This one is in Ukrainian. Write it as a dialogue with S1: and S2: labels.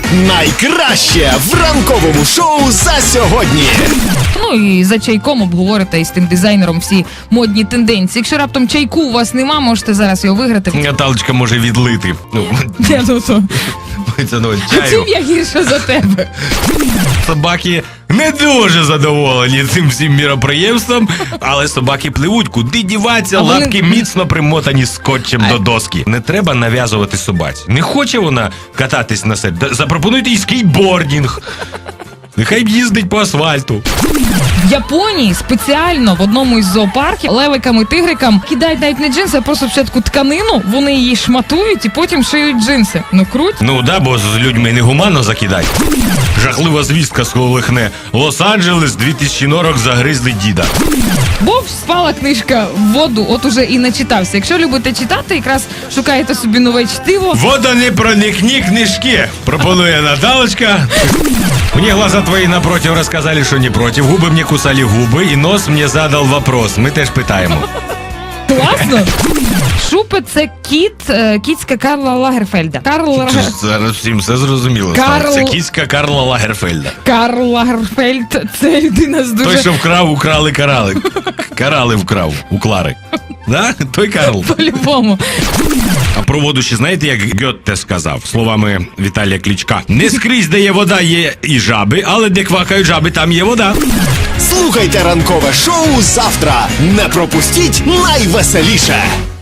S1: Найкраще в ранковому шоу за сьогодні.
S2: Ну і за чайком обговорите із тим дизайнером всі модні тенденції. Якщо раптом чайку у вас нема, можете зараз його виграти.
S3: Наталочка може відлити. Це чаю.
S2: Чим я гірша за тебе?
S3: Собаки не дуже задоволені цим всім міроприємством, але собаки пливуть, куди діваться, лапки міцно примотані скотчем до доски. Не треба нав'язувати собаці. Не хоче вона кататись на селі. Запропонуйте їй скейтбордінг. Нехай їздить по асфальту.
S2: В Японії спеціально в одному із зоопарків левикам і тигрикам кидають навіть не джинси, а просто спочатку тканину, вони її шматують і потім шиють джинси. Ну круть.
S3: Ну да, бо з людьми негуманно закидать. Жахлива звістка сколихне. Лос-Анджелес, 2000 норок загризли діда.
S2: Бо впала книжка в воду, от уже і начитався. Якщо любите читати, якраз шукаєте собі нове чтиво.
S3: Вода не проникни книжки, пропонує Наталочка. Мне глаза твои напротив рассказали, что не против. Губы мне кусали губы, и нос мне задал вопрос. Ми теж питаємо.
S2: Класно? Шупе – це кіцька Карла Лагерфельда.
S3: Зараз всім все зрозуміло. Це кіцька Карла Лагерфельда.
S2: Карл Лагерфельд – це людина з дуже...
S3: Той, що вкрав, украли, карали. Карали вкрав, у Клари. Да? Той Карл.
S2: По-любому.
S3: А про воду ще знаєте, як Гьотте сказав, словами Віталія Кличка? Не скрізь, де є вода, є і жаби, але де квакають жаби, там є вода.
S1: Слухайте ранкове шоу завтра. Не пропустіть найвеселіше.